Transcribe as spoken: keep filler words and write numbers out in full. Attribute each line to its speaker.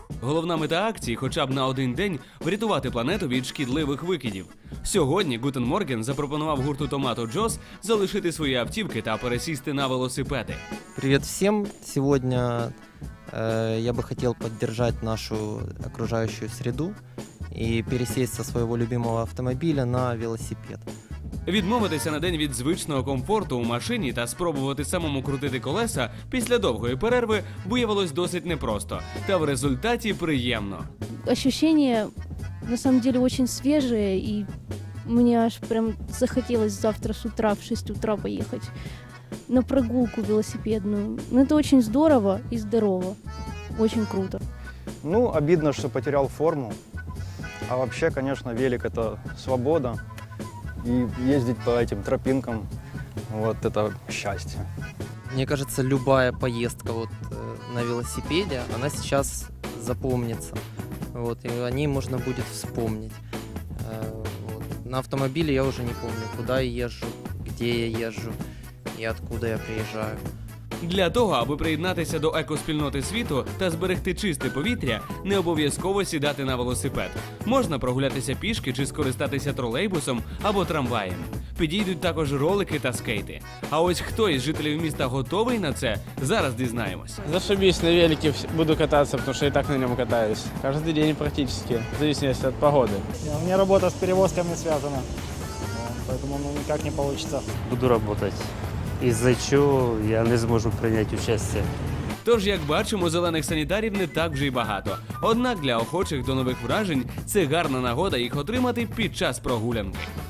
Speaker 1: Головна мета акції – хоча б на один день врятувати планету від шкідливих викидів. Сьогодні Гутен Морген запропонував гурту Томато Джос залишити свої автівки та пересісти на велосипеди.
Speaker 2: Привет всем! Сегодня э, я бы хотел поддержать нашу окружающую среду и пересесть со своего любимого автомобиля на велосипед.
Speaker 1: Відмовитися на день від звичного комфорту у машині та спробувати самому крутити колеса після довгої перерви виявилось досить непросто. Та в результаті приємно.
Speaker 3: Ощущения на самом деле очень свежие, и мне аж прям захотелось завтра с утра в шесть утра поехать на прогулку велосипедную. Ну, это очень здорово и здорово. Очень круто.
Speaker 4: Ну, обидно, что потерял форму. А вообще, конечно, велик – это свобода. И ездить по этим тропинкам – вот это счастье.
Speaker 2: Мне кажется, любая поездка вот, э, на велосипеде, она сейчас запомнится. Вот, и о ней можно будет вспомнить. Э, вот. На автомобиле я уже не помню, куда я езжу, где я езжу и откуда я приезжаю.
Speaker 1: Для того, аби приєднатися до екоспільноти світу та зберегти чисте повітря, не обов'язково сідати на велосипед. Можна прогулятися пішки чи скористатися тролейбусом або трамваєм. Підійдуть також ролики та скейти. А ось хто із жителів міста готовий на це, зараз дізнаємось.
Speaker 5: Зашибись, на велике буду кататься, потому что и так на нем катаюсь. Каждый день практически, в зависимости от погоды.
Speaker 6: У меня работа с перевозками связана, поэтому ну, никак не получится.
Speaker 7: Буду работать, із-за чого я не зможу прийняти участь.
Speaker 1: Тож, як бачимо, зелених санітарів не так вже й багато. Однак для охочих до нових вражень це гарна нагода їх отримати під час прогулянки.